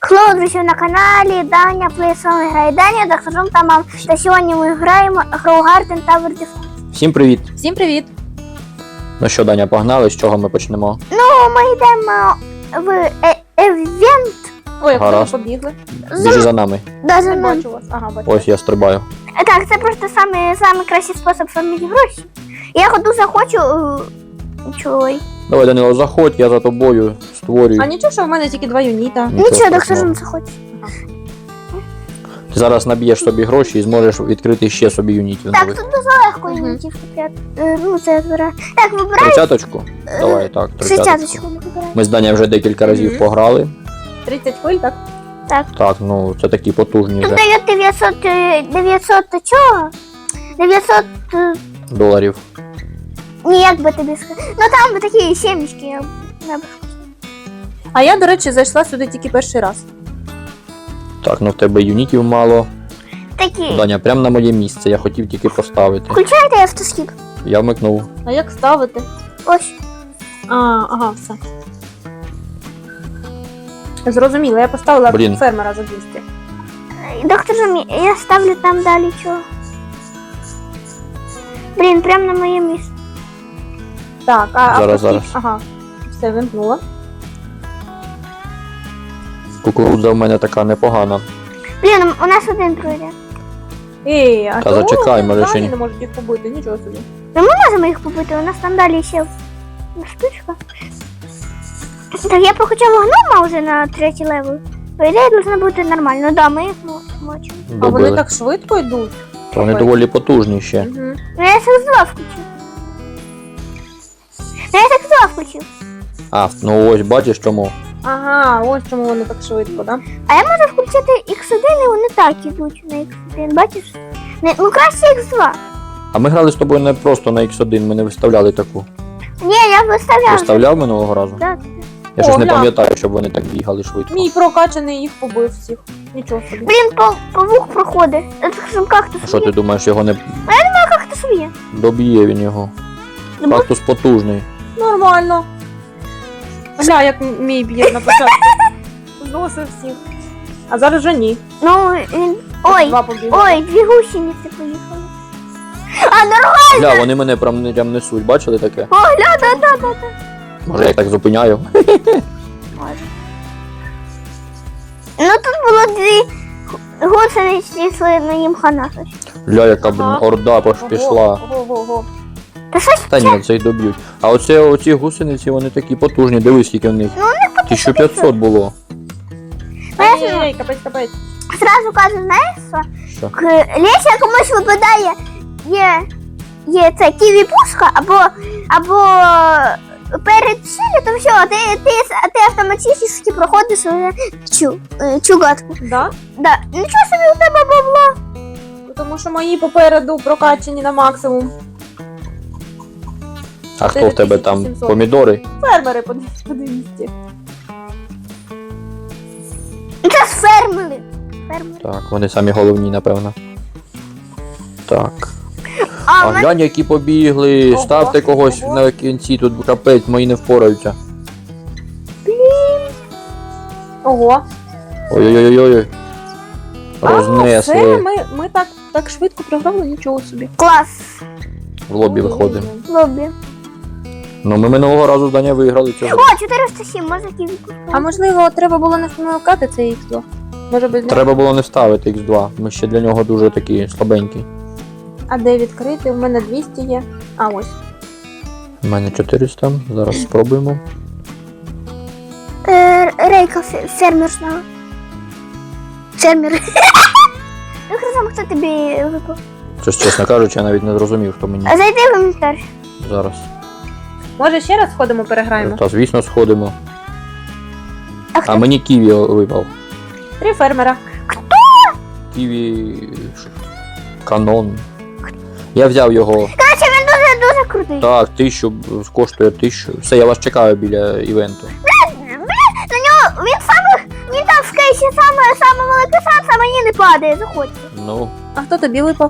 Хлоу, друзі, на каналі Даня Плей з вами грає Даня, доктор Жум та мам. Та сьогодні ми граємо Grow Garden Tower Defense. Всім привіт! Всім привіт! Ну що, Даня, погнали, з чого ми почнемо? Ну, ми йдемо в евент. Ой, як ви Гаразд. побігли. Біжи за нами. Да, за Не ним. бачу вас. Ага, бачу. Ось я стрибаю. Так, це просто самий кращий спосіб заробити гроші. Я дуже хочу... Чой. Давай, Данило, заходь, я за тобою створюю. А нічого, що в мене тільки 2 юніта. Нічого, доктор страшного. Жум захоче. Ти зараз наб'єш собі гроші і зможеш відкрити ще собі юнітів Так, нових. тут дуже легко юнітів купляти. Ну, це збирає. Так, вибирай 30-очку? Давай, так, 30-очку. 30-очку ми вибираємо. Ми з Даня вже декілька разів Мгм. пограли. 30 хвиль, так? Так, ну це такі потужні Тут вже дають 900 чого? 900... доларів. Ні, як би тобі сказати. Ну там такі сімечки. Я б А я, до речі, зайшла сюди тільки перший раз. Так, ну в тебе юнітів мало. такі. Даня, прямо на моє місце, я хотів тільки поставити. Включайте автоскіп. Я вмикнув. А як ставити? Ось. Ага, все. Зрозуміло, я поставила Блін. фермера за 200. Доктор Жум, я ставлю там далі чого. Блін, прямо на моє місце. Так, Зараз. Ага, все, вимкнула. Кукурудза в мене така непогана. Блін, у нас один пройде. Ей, а Та чого зачекай, вони може, ще взагалі ні. не можуть їх побити, нічого собі. Ми можемо їх побити, у нас там далі ще штучка. Так, я прокачав гнома вже на 3-й левел. По ідеї, должно бути нормально. Да, ми їх мочимо. А вони Добили. так швидко йдуть. Та вони доволі потужні ще. Угу. Ну, я X2 включив. Я X2 включив. А, ну ось бачиш чому. Ага, ось чому вони так швидко, так? А я можу включити X1 і вони так ідуть на X1, бачиш? Ну краще X2. А ми грали з тобою не просто на X1, ми не виставляли таку. Ні, я виставляв. Виставляв минулого разу? Так. Я щось не гля. пам'ятаю, щоб вони так бігали швидко. Мій прокачаний їх побив всіх. Нічого собі. Блін, павук проходить. Це ж кактус А що ти є. думаєш, його не Кактус є. доб'є він його? Ну, Кактус потужний. Нормально. Гля, як мій б'є на початку. Зносив всіх. А зараз вже ні. Ну, він... Ой, 2 побігли. ой, 2 гусениці поїхали. А, нормально. Гля, вони мене прям несуть, бачили таке? О, гля, да. Може я їх так зупиняю? Ну, тут було 2 гусениці, йшли на їм хана. Гля, яка Ага. орда пішла. Ого. Та щось Та ні, це й доб'ють. А оці гусениці, вони такі потужні, дивись, скільки в них. Ну, у них 1500 було. Ей, капець. зразу кажу, знаєш що? Що? Леся комусь випадає, є це ківі-пушка, або перед то все, ти автоматично проходиш цю гадку. Да? Да. Нічого собі у тебе бабло. Тому що мої попереду прокачані на максимум. А хто в тебе там? 4700. Помідори? Фермери по 200. Це ж фермери. Так, вони самі головні, напевно. Так. А А в мене глянь, які побігли. Ого, Ставте когось ого. на кінці, тут капець, мої не впораються. Ого. Ой-ой-ой-ой. Все, Рознесли. ми так швидко програли, нічого собі. клас. В лобі виходимо. Лобі. Ну ми минулого разу Даня виграли цього. О, 407, можна ківі-пушку. А можливо, треба було не вмикати цей X2? Може без нього? Треба було не ставити X2. Ми ще для нього дуже такі слабенькі. А де відкрити? У мене 200 є. А ось. У мене 400. Зараз спробуємо. Рейка фермер знала. Фермер. Ну, хорошо, хто тобі випав? Щось, чесно кажучи, я навіть не зрозумів, хто мені А зайди в інвентар. зараз. Може ще раз сходимо, переграємо? Та звісно сходимо. А хто? А мені Ківі випав. 3 фермера. Ківі канон. Я взяв його. Короче, він дуже крутий. Так, 1000 коштує 1000. Все, я вас чекаю біля івенту. На нього він там в кейсі саме великий шанс, а мені не падає, заходьте. Ну, А хто тобі випав?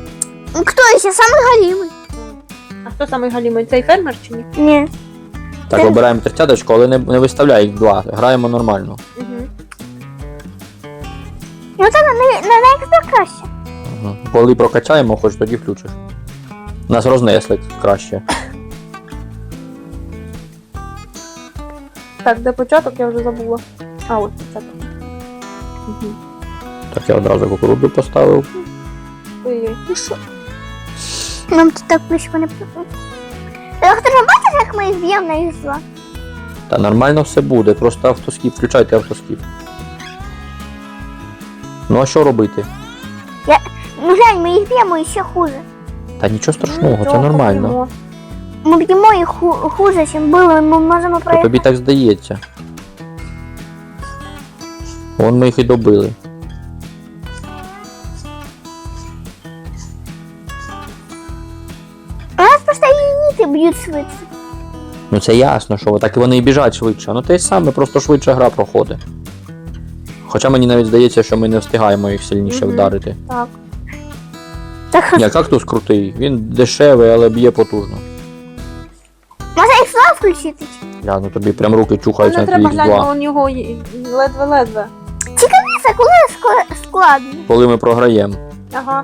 Хто ще? Самий галімий. А хто самий галімий? Цей фермер чи ні? Ні. Так, обираємо 30-очку, але не виставляй їх 2. Граємо нормально. Угу. Ну це на Xbox краще. Угу. Коли прокачаємо, хоч тоді включиш. Нас рознесли краще. Так, де початок, я вже забула. А, ось початок. Угу. Так, я одразу кукурудзу поставив. Ой-ой. Ну що? Нам тут так близько не приходить. Доктор, ви бачиш, як ми їх б'ємо на X2? Та нормально все буде, просто автоскіп, включайте автоскіп. Ну а що робити? Ну глянь, ми їх б'ємо і ще хуже. Та нічого страшного, це Нічого, нормально. поб'ємо. Ми б'ємо їх хуже, ніж було, ми можемо То проїхати. тобі так здається. Вон ми їх і добили. У нас просто юніти б'ють швидше. Ну це ясно, що так вони і біжать швидше. Ну те й саме, просто швидше гра проходить. Хоча мені навіть здається, що ми не встигаємо їх сильніше Мгм. вдарити. Так. Так, Ні, кактус крутий, він дешевий, але б'є потужно. може X2 включити? Я, ну тобі прям руки Ну, чухаються не на треба твій глянути, X2. у нього ледве-ледве. Це коли складно. Коли ми програємо. Ага.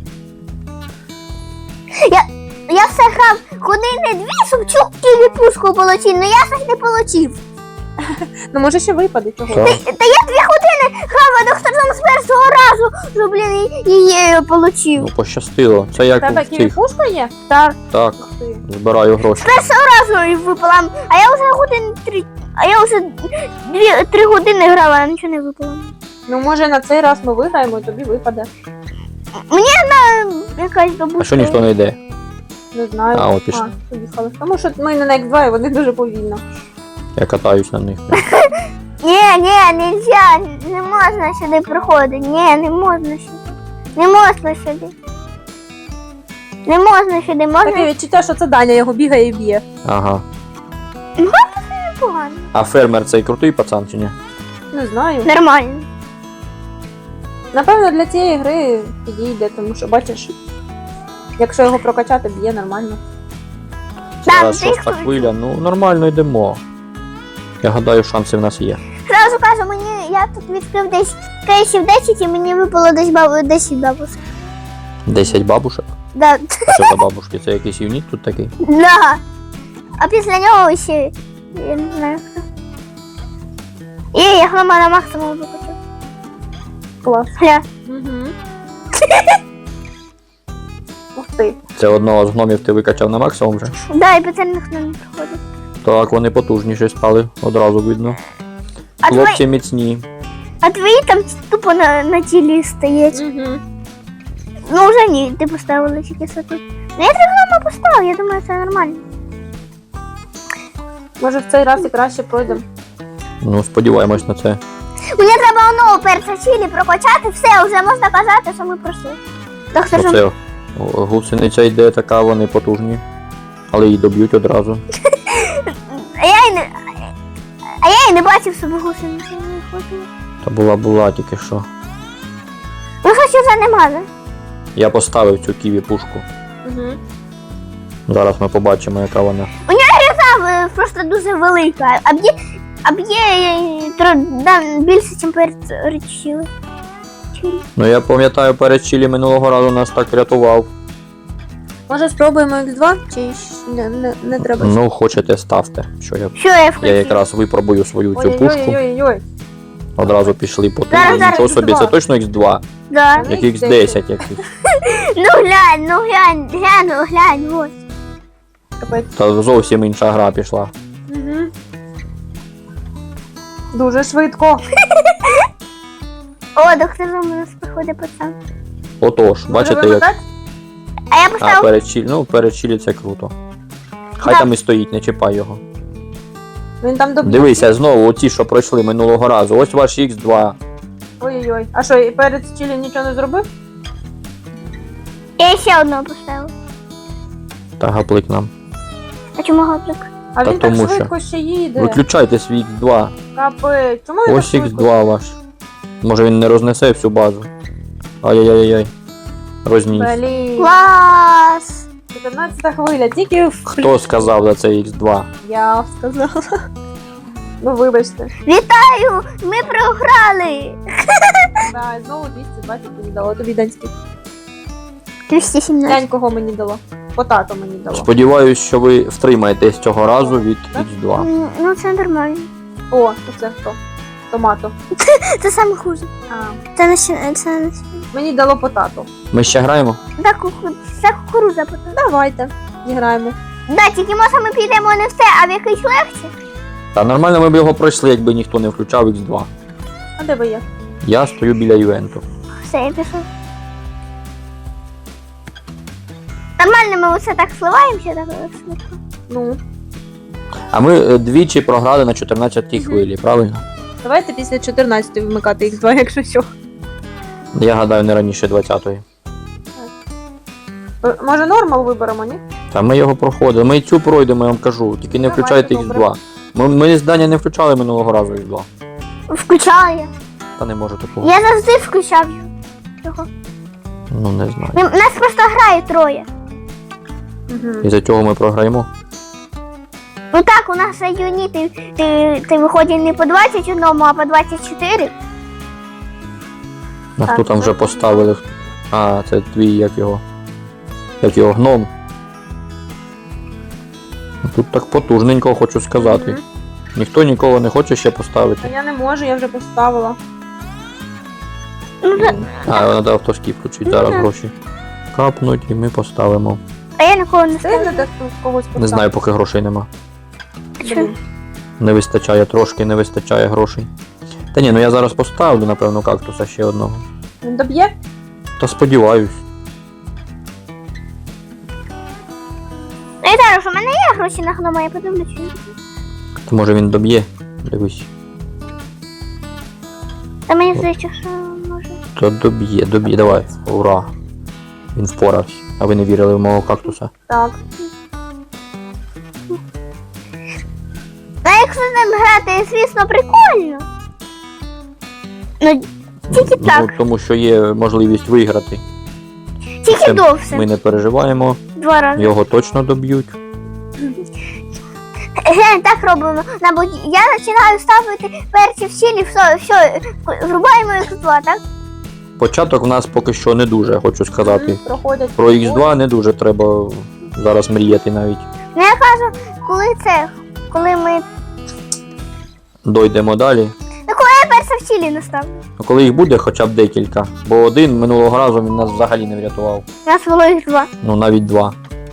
Я все грав години дві, щоб чув пушку полетіти, але я щось не полетів. Ну може ще випаде чого. Так. Та я 2 години грав, а доктор там з першого разу, що, блін, її полетів. Ну пощастило. Це як Тебе в цих. ківі-пушка є? Так, Так, Ух ти. збираю гроші. разу і випала. А я вже годин 3, а я вже 3 години грала, а нічого не випало. Ну може на цей раз ми виграємо і тобі випаде. Якась бабуся. А що ніхто не йде? Не знаю. А, от пішли. Поїхали. Тому що ми не на X2 і вони дуже повільно. Я катаюсь на них. Ні, нельзя, не можна сюди приходити. Ні, не можна сюди. Не можна сюди. Не можна сюди, Таке можна відчуття, що це Даня його бігає і б'є. Ага. погано. А фермер цей крутий пацан чи ні? Не знаю. Нормально. Напевно, для цієї гри підійде, тому що бачиш, якщо його прокачати, б'є нормально. Зараз ти шоста хвиля, ну нормально йдемо. Я гадаю, шанси в нас є. Зразу кажу, я тут відкрив десь кейсів 10 і мені випало десь 10 бабусок. 10 бабушек. Да. А що за бабушки? Це якийсь юніт тут такий? Да. А після нього ще, я не знаю хто. І я хлама на максимум викачу. Клас. Гля. Угу. Ух ти. Це одного з гномів ти викачав на максимум вже. Да, і по це ніхто не приходить. Так, вони потужніші стали, одразу видно. А Хлопці міцні. твої там тупо на тілі стоять. Угу. Ну вже ні, ти поставила тільки все тут. Ну я 3 гнома поставив, я думаю, це нормально. Може в цей раз і краще пройдемо. Ну, сподіваємось на це. Мені треба онову перша чилі прокачати, все, вже можна казати, що ми пройшли. Доктор, що... Оце гусениця йде така, вони потужні. Але її доб'ють одразу. А я і не бачив собі гусениці, не хватило. Та була тільки що. Ну хоч вже нема, да? Я поставив цю ківі пушку. Угу. Зараз ми побачимо, яка вона. Та просто дуже велика, а б'є більше, ніж перед чили. Ну я пам'ятаю, перед Чилі минулого разу нас так рятував. Може спробуємо X2? Чи не треба? Ну, хочете, ставте. Що Що я я включив? якраз випробую свою цю пушку. Ой-ой-ой. Одразу пішли по Зараз, турі. Нічого X2. собі, це точно X2, Да. як X10 якийсь. Ну глянь, ось. Капець. Та зовсім інша гра пішла. Угу. Дуже швидко. О, доктор, у нас приходить пацан. Отож, бачите, Може як. вимикати? А я А, поставив... перед Чилі це круто. Хай Так. там і стоїть, не чіпай його. Він там доб'є. Дивися, знову оті, що пройшли минулого разу. Ось ваш X2. Ой-ой-ой. А що, і перед Чилі нічого не зробив? Я ще одного поставив. Та гаплик нам. А чому гаплик? А Та він так тому що. швидко ще їде. Виключайте свій X2. Капець. Чому він Ось так швидко? X2 ваш. Може він не рознесе всю базу. Ай-яй-яй-яй. Розніс. Блін. Клас! 14 хвиля, тільки в... Хто сказав за це Х2? Я сказала. Ну, вибачте. Вітаю! Ми програли! Да, і знову 220 мені дало. Тобі Данський. 217. Дань кого мені дало? Потато мені дало. Сподіваюсь, що ви втримаєтесь цього разу від Х2. Ну це нормально. О, оце хто? Томато. Це саме хуже. А. Це не Мені дало потато. Ми ще граємо? це кукуруза потім. Давайте, зіграємо. Да, тільки може ми підемо не в те, а в якийсь легше. Та нормально ми б його пройшли, якби ніхто не включав Х2. А де ви є? Я стою біля івенту. Все, я пішов. Нормально, ми оце так сливаємося, так швидко. Ну, А ми двічі програли на 14-й хвилі, правильно? давайте після 14 вмикати їх 2, якщо що. Я гадаю, не раніше 20-ї. Може нормал виберемо, ні? Та ми його проходили. Ми і цю пройдемо, я вам кажу. Тільки не Давайте, включайте добре. Х2. Ми з Даня не включали минулого разу Х2. Включала я. Та не може такого. Я завжди включав його. Ну не знаю. Нас просто грає троє. Угу. Із-за цього ми програємо. Ну так, у нас юні, ти виходить не по 21, а по 24. А Так, хто там вже ну, поставили? А, це твій, як його. Як його гном. Тут так потужненько, хочу сказати. Мгм. Ніхто нікого не хоче ще А поставити. я не можу, я вже поставила. Ну, А, треба автоскіп включити, зараз Мгм. гроші капнуть і ми поставимо. а я нікого не ставлю. Сильно десь тут когось поставила? Не знаю, поки грошей нема. Блін. Не вистачає трошки, не вистачає грошей. Та ні, ну я зараз поставлю, напевно, кактуса ще одного. Він доб'є? Та сподіваюсь. Ну, я кажу, що в мене є гроші на гнома, я подивлюся. То може він доб'є. Дивись. Та мені здається, що може. То доб'є, давай. Ура. Він впорався. А ви не вірили в мого кактуса? Так. А якщо з ним грати, звісно, прикольно. Ну, тільки Ну, так, тому що є можливість виграти. тільки Це довше. Ми не переживаємо, 2 рази. його точно доб'ють. Глянь, так робимо. Я починаю ставити перці в сілі, все, врубаємо їх 2, так? Початок в нас поки що не дуже, хочу сказати. Мгм, проходять. Про Х2 не дуже треба зараз мріяти навіть. Ну я кажу, коли ми. Дойдемо далі. Я перша в сілі наставлю. Ну, коли їх буде хоча б декілька. Бо один минулого разу він нас взагалі не врятував. У нас було їх 2. Ну навіть 2.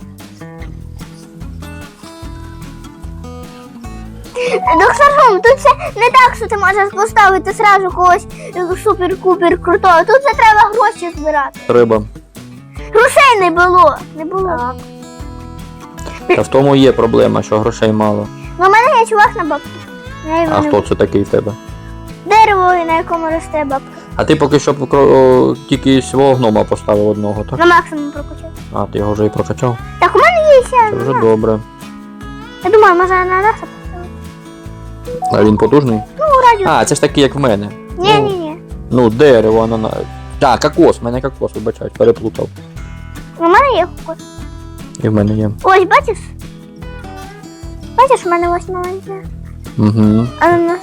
Доктор, тут це не так, що ти можеш поставити сразу когось супер-купер крутого. Тут це треба гроші збирати. Треба. Грошей не було. Не було. Так. Та в тому є проблема, що грошей мало. Ну, у мене є чувак на бабку. А хто це такий в тебе? Дерево, на якому росте бабка. А ти поки що тільки свого гнома поставив одного, так? На максимум прокачав. А, ти його вже і прокачав? Так, у мене є ще. Це вже добре. Я думаю, може на нас поставити. А він потужний? Ну, радіо. А, це ж такий, як в мене. Ні. Ну, дерево, ананас. Так, кокос, в мене кокос, вибачай, переплутав. У мене є кокос. І в мене є. Ось, бачиш? Бачиш, у мене ось маленьке. Угу. Ананас.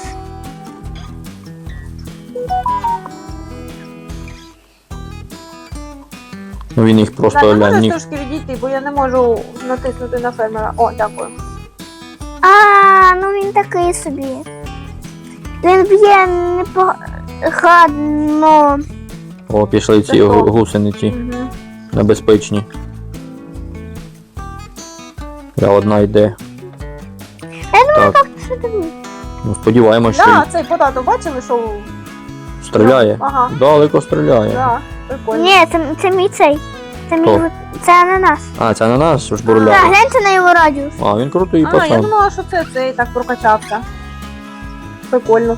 Ну він їх просто Так, глянь. можеш ні- трошки відійти, бо я не можу натиснути на фермера. О, дякую. Ну він такий собі. Він б'є непогано. О, пішли ці Це хто? гусениці Угу. небезпечні. Я одна йде. Так, Що ти думаєш? ну сподіваємось, що Да, цей потато бачили, що стріляє. Ага. Далеко стріляє. Да, прикольно. Ні, це мій цей. Це мій Хто? це ананас. А, це ананас ж Так, бурляє. гляньте на його радіус. А, він крутий А, я пацан. думала, що це цей так прокачався. Прикольно.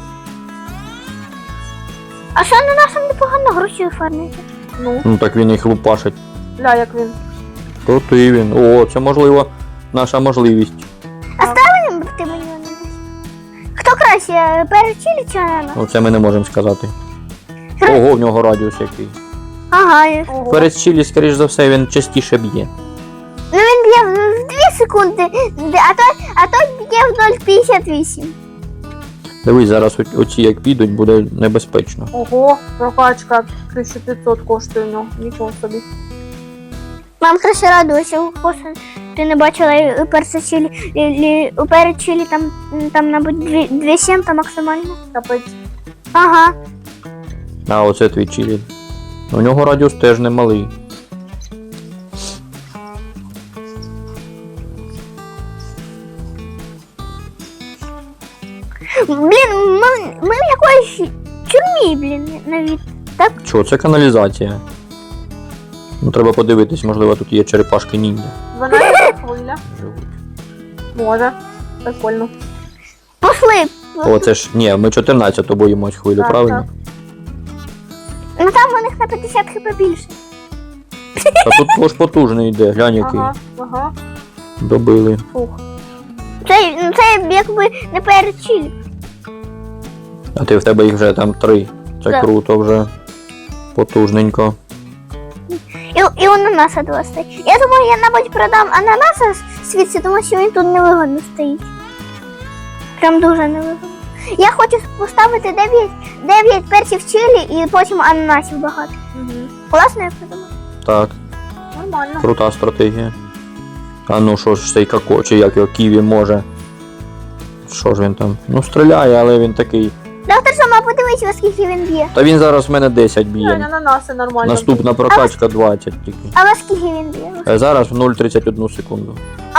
А що ананасом непогано гроші оформити? Ну, Ну так він їх лупашить. гля, як він. Крутий він. О, це можливо наша можливість. Ти мені ананас. Хто краще, перечилі чи ананас? Ну це ми не можемо сказати. Ого, в нього радіус який. Ага, є. Ого. Перед чилі, скоріш за все, він частіше б'є. Ну б'є в 2 секунди, а той б'є в 0,58. Дивись, зараз оці як підуть, буде небезпечно. Ого, прокачка 1500 коштує у нього. Нічого собі. Мам краще радуйся, просто ти не бачила у перед чилі там, мабуть, 2,7 там максимально. Капець. Ага. А оце твій чилі. У нього радіус теж немалий. Блін, ми в якоїсь тюрмі, блін, навіть. Так? Чого, це каналізація. Ну треба подивитись, можливо тут є черепашки ніндзя. 12 хвиля. Живуть. Може. Прикольно. Пошли. О, це ж, ні, ми 14-ту боїмось хвилю, Так, правильно? Ну там у них на 50 хп більше. А тут ж потужний йде, глянь який. Ага. Добили. Фух. Це якби не перед чилі. А ти в тебе їх вже там 3. Це Так. круто вже. Потужненько. І у ананаса 2 стоїть. Я думаю, я, мабуть, продам ананаса світці, тому що він тут невигодно стоїть. Прям дуже невигодно. Я хочу поставити 9 перців чилі і потім ананасів багато. Угу. Класно я придумав? Так, Нормально. крута стратегія. А ну що ж цей како, чи як його ківі може. Що ж він там? Ну стріляє, але він такий. Доктор Сома, подивись, во скільки він б'є. Та він зараз в мене 10 Глянь, б'є. ананаси нормально. Наступна прокачка 20 тільки. А во скільки він б'є? Зараз в 0,31 секунду.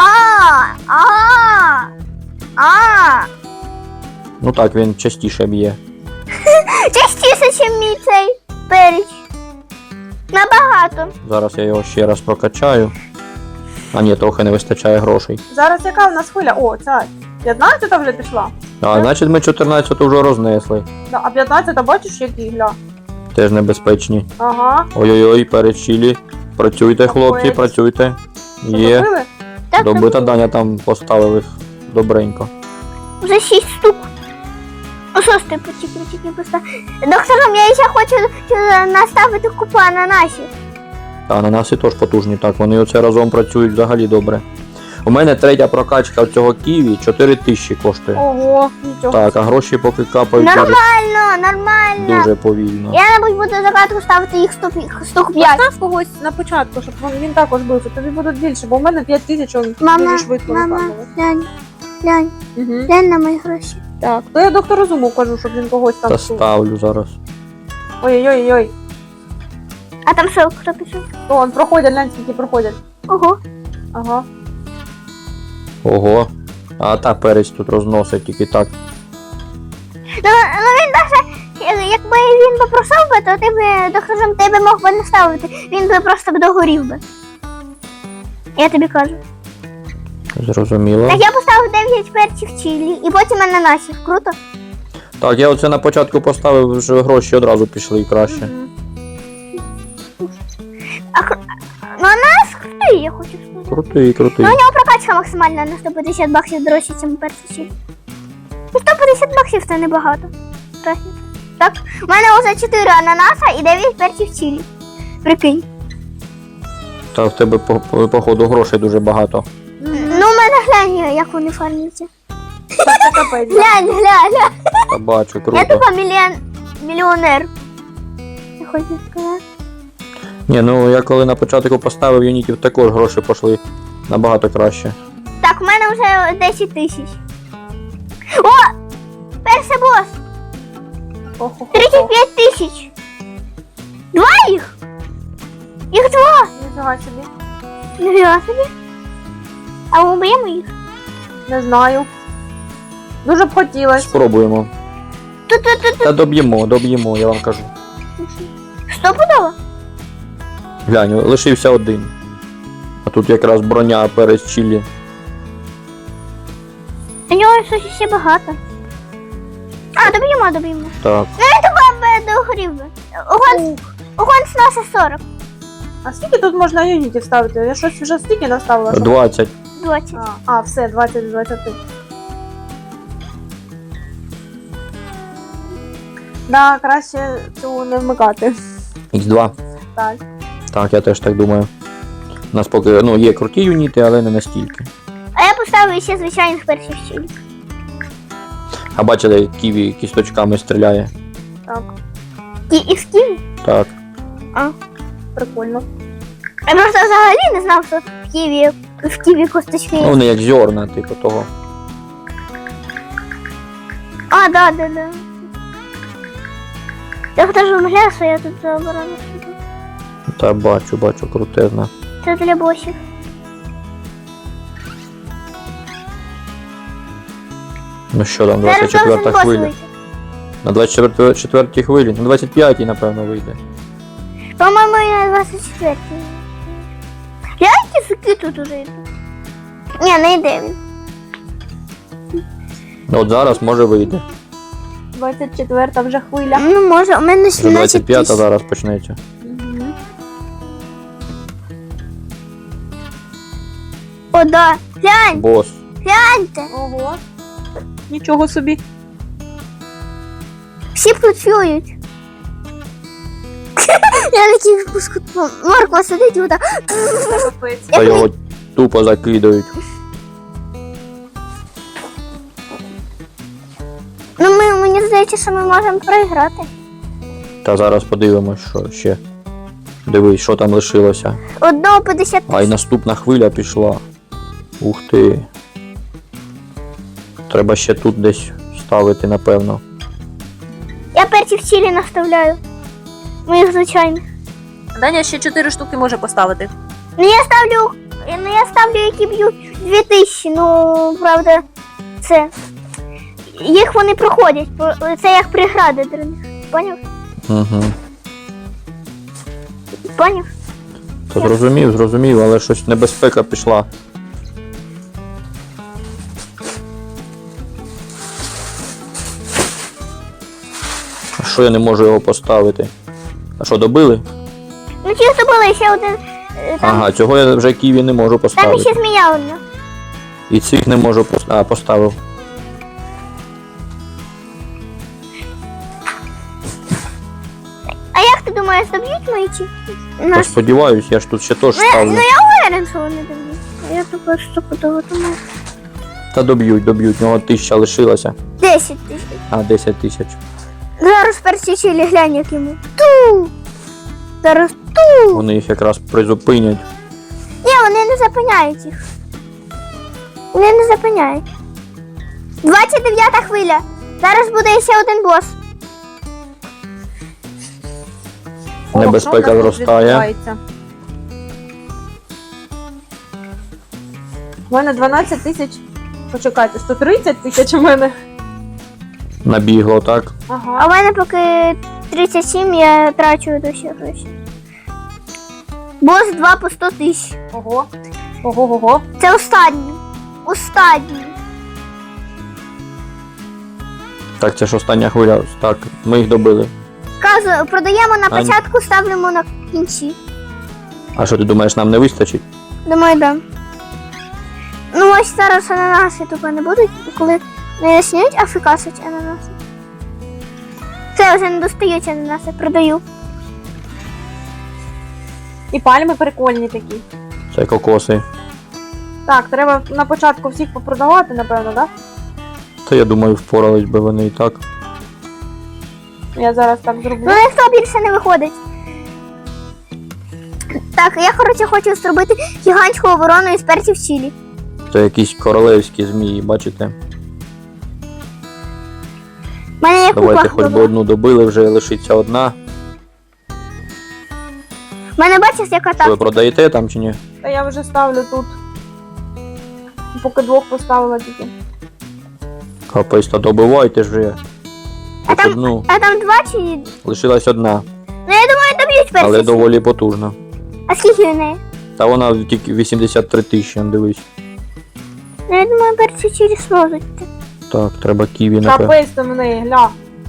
Ну так, він частіше б'є. Частіше, ніж мій цей переч. Набагато. Зараз я його ще раз прокачаю. А ні, трохи не вистачає грошей. Зараз яка в нас хвиля? О, ця 15-та вже пішла. А значить ми 14-ту вже рознесли. Да, а 15-та бачиш, які гля? Теж небезпечні. Ага. Ой-ой-ой, перед чилі. Працюйте, хлопці, Капець. працюйте. Що, Є. добили? Так, Добита Даня там поставили добренько. вже 6 штук. О, шостий тільки поставив. Доктором, я ще хочу наставити купу ананасів. А ананаси теж потужні, так, вони оце разом працюють взагалі добре. У мене третя прокачка цього ківі 4000 коштує. Ого, нічого. Так, а гроші поки капають дуже, Нормально. дуже повільно. Я, мабуть, буду загадку ставити їх штук 5. Постав когось на початку, щоб він також бився. Тобі будуть більше, бо в мене 5000, він Мама, дуже швидко мама, виконував. глянь Угу. на мої гроші. Так, то я доктору Зуму кажу, щоб він когось там... Та ставлю зараз. Ой-ой-ой. А там що, хто пішов? То он проходять, глянь, скільки проходять. Ого. Ага. Ого. А та перець тут розносить тільки так. Ну він даже, якби він попросив би, то ти б, доктором, тебе мог би не ставити. Він би просто б догорів би. Я тобі кажу. Зрозуміло. Так я поставив 9 перців чилі і потім ананасів. Круто? Так, я оце на початку поставив, вже гроші одразу пішли краще. Мгм. Ну ананас крутий, я хочу сказати. Крутий, крутий. Ну, у нього прокачка максимальна на 150 баксів дорожче, ніж перший чилі. Ну, 150 баксів це небагато. Трохи. Так, у мене вже 4 ананаса і 9 перців чилі. Прикинь. Та в тебе походу грошей дуже багато. Мгм. Ну, у мене глянь, як вони фармляться. Це капець. Глянь. Та бачу, Я круто. тупо мільйонер. Я хочу сказати. Ні, ну я коли на початку поставив юнітів, також гроші пішли набагато краще. Так, у мене вже 10 тисяч. О! Перший бос! Хо-хо-хо. 35 тисяч! 2 їх! Їх 2! Ніфіга собі. Нифіга собі. А ми уб'ємо їх? Не знаю. Дуже б хотілося. Спробуємо. Тут. Та доб'ємо, я вам кажу. Стопудово? Глянь, лишився один. А тут якраз броня перець чилі. У нього щось ще багато. А, доб'ємо. Так. Догорів би. Огонь сноса 40. А скільки тут можна юнітів ставити? Я щось вже стільки наставила. що- 20. 20. Все, 20 з 20. Да, краще цю не вмикати. Х2. Так. Так, я теж так думаю. У нас поки є круті юніти, але не настільки. А я поставлю ще звичайних перців чилі. А бачили, як Ківі кісточками стріляє? Так, І з ківі? Так. А. прикольно. Я просто взагалі не знав, що в ківі косточки Ну, є. вони як зерна, типу того. А, да. Я теж вимовляю, що я тут заборону. Та бачу, крутезна. Це для босів. Ну що там, Зараз 24 должен бос хвиля. вийти. На 24 хвилі, на 25-й, напевно, вийде. По-моєму, я на 24-й. Гляньте, суки тут уже йдуть. Ні, не йде він. Ну, от зараз, може, вийде. 24-та вже хвиля. Ну, може, у мене Вже 17 25-та тисяч. зараз почнеться. Мгм. О, да. Глянь, Бос. гляньте. Ого. Нічого собі. Всі працюють. Я такий випуску. Морква сидить і отак. Капець. Та його тупо закидають. Ну, мені здається, що ми можемо проіграти. Та зараз подивимось, що ще. Дивись, що там лишилося. Одного 50 А й наступна хвиля пішла. Ух ти. Треба ще тут десь ставити, напевно. Я перців чилі наставляю. Моїх звичайних. Даня ще 4 штуки може поставити. Ну я ставлю, які б'ють 2000, ну, правда, це. Їх вони проходять, це як прегради для них. Поняв? Угу. Поняв? Та зрозумів, але щось небезпека пішла. А що я не можу його поставити? А що, добили? Ну чисто було ще один. Там, Ага, цього я вже Ківі не можу там поставити. ще змія одна. І цих не можу поставити. А, поставив. А як ти думаєш, доб'ють мої чи? Та Наш. сподіваюсь, я ж тут ще теж Ну ставлю. я уверен, що вони доб'ють. Я тупо стопудово думаю. Та доб'ють, в нього 1000 лишилося. 10 тисяч. А, 10 тисяч. Зараз перці чилі глянь, як йому. Ту! Зараз ту! Вони їх якраз призупинять. Ні, вони не зупиняють їх. Вони не зупиняють. 29-та хвиля. Зараз буде ще один бос. Небезпека О, що в нас тут зростає. відбувається? У мене 12 тисяч. Почекайте, 130 тисяч у мене. Набігло, так? А Ага. в мене поки 37, я трачу до ще гроші. Бос 2 по 100 тисяч. Ого. Ого. Це останній. Останній. Так, це ж остання хвиля. Так, ми їх добили. Кажу, продаємо на Ань. початку, ставимо на кінці. А що ти думаєш, нам не вистачить? Думаю, да. Ну ось зараз ананаси тупо не будуть, коли не снять, а фікасить ананаси. Це вже не достають ананаси, продаю. І пальми прикольні такі. Це кокоси. Так, треба на початку всіх попродавати, напевно, так? Та я думаю, впорались би вони і так. Я зараз так зроблю. Ну ніхто більше не виходить. Так, я, коротше, хочу зробити гігантську оборону із перців чилі. Це якісь королевські змії, бачите? У мене є Давайте купа хоч би добра. одну добили, вже лишиться одна. У мене бачиш, яка Що ви так. продаєте там чи ні? Та я вже ставлю тут. Поки 2 поставила тільки. Капець, та добивайте ж вже. А Хоч там- одну. А там 2 чи. Лишилась одна, Ну я думаю, доб'ють перці. але чилі. доволі потужна. А скільки в неї? Та вона тільки 83 тисячі, дивись. Ну я думаю, перці чилі зможуть. Так, треба Ківі, напевно. Капець там в неї, гля.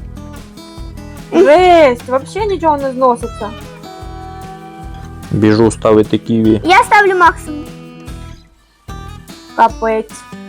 Жесть, взагалі нічого не зноситься. Біжу ставити Ківі. Я ставлю максимум. Капець.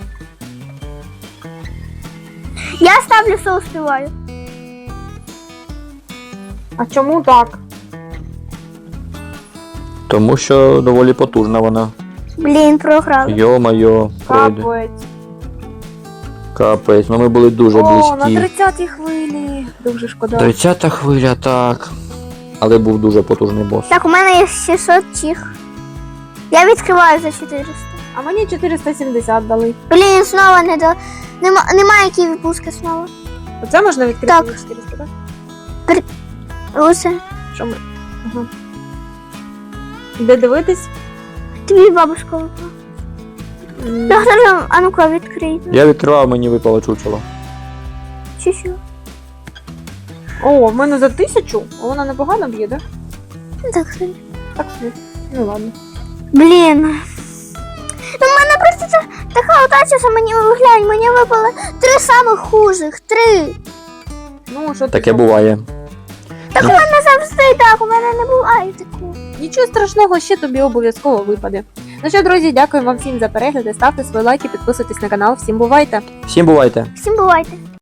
Я ставлю соус співаю. А чому так? Тому що доволі потужна вона. Блін, програли. Йо-майо, пройде. Капець. Капець, ну ми були дуже О, на близькі. 30-й хвилі. Дуже шкода. 30-та хвиля, так. Але був дуже потужний бос. Так, у мене є 600 чих. Я відкриваю за 400. А мені 470 дали. Блін, знову не до. Немає які випуски знову. Оце можна відкрити Так. за 400, так? Оце. Що ми? Ага. Де дивитись? Тобі бабушка випала. М, Доктор, а ну-ка відкрийте. Я відкривав, мені випало чучело. Чи що? О, в мене за 1000, а вона непогано б'є, да? Ну так собі. Так собі. Ну ладно. Блін. Ну в мене просто така удача, що мені виглянь, мені випали 3 самих хужих. 3. Ну, що ти Таке зробиш? буває. Так у мене завжди так, у мене не буває такого. Нічого страшного, ще тобі обов'язково випаде. Ну що, друзі, дякую вам всім за перегляди. Ставте свої лайки, підписуйтесь на канал. Всім бувайте! Всім бувайте! Всім бувайте.